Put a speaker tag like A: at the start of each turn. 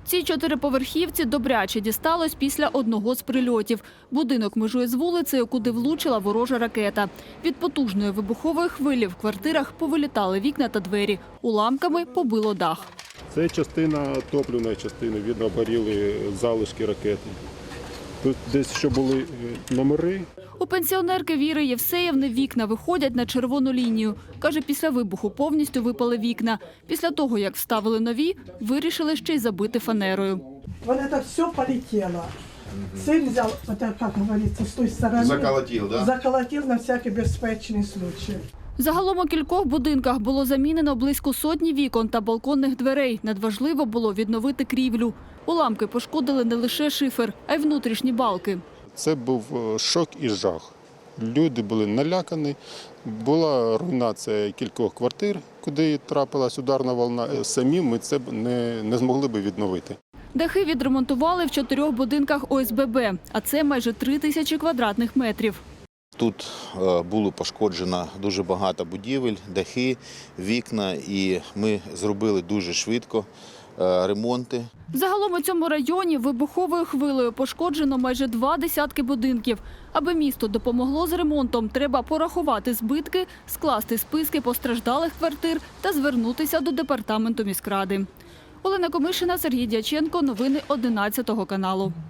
A: Цій чотириповерхівці добряче дісталось після одного з прильотів. Будинок межує з вулицею, куди влучила ворожа ракета. Від потужної вибухової хвилі в квартирах повилітали вікна та двері. Уламками побило дах.
B: Це частина топливної частини, видно, обгоріли залишки ракети. Тут десь ще були номери.
A: У пенсіонерки Віри Євсеєвни вікна виходять на червону лінію. Каже, після вибуху повністю випали вікна. Після того, як вставили нові, вирішили ще й забити фанерою.
C: Вот это все полетело. Сын взял, это, как говорится, с той стороны.
D: Заколотил, да?
C: Заколотил на всякий безпечный случай.
A: Загалом у кількох будинках було замінено близько сотні вікон та балконних дверей. Надважливо було відновити крівлю. Уламки пошкодили не лише шифер, а й внутрішні балки.
B: Це був шок і жах. Люди були налякані. Була руйнація кількох квартир, куди трапилась ударна волна. Самі ми це не змогли би відновити.
A: Дахи відремонтували в 4 будинках ОСББ, а це майже 3000 квадратних метрів.
D: Тут було пошкоджено дуже багато будівель, дахи, вікна, і ми зробили дуже швидко ремонти.
A: Загалом у цьому районі вибуховою хвилею пошкоджено майже 20 будинків. Аби місто допомогло з ремонтом, треба порахувати збитки, скласти списки постраждалих квартир та звернутися до департаменту міськради. Олена Комишина, Сергій Дяченко. Новини 11 каналу.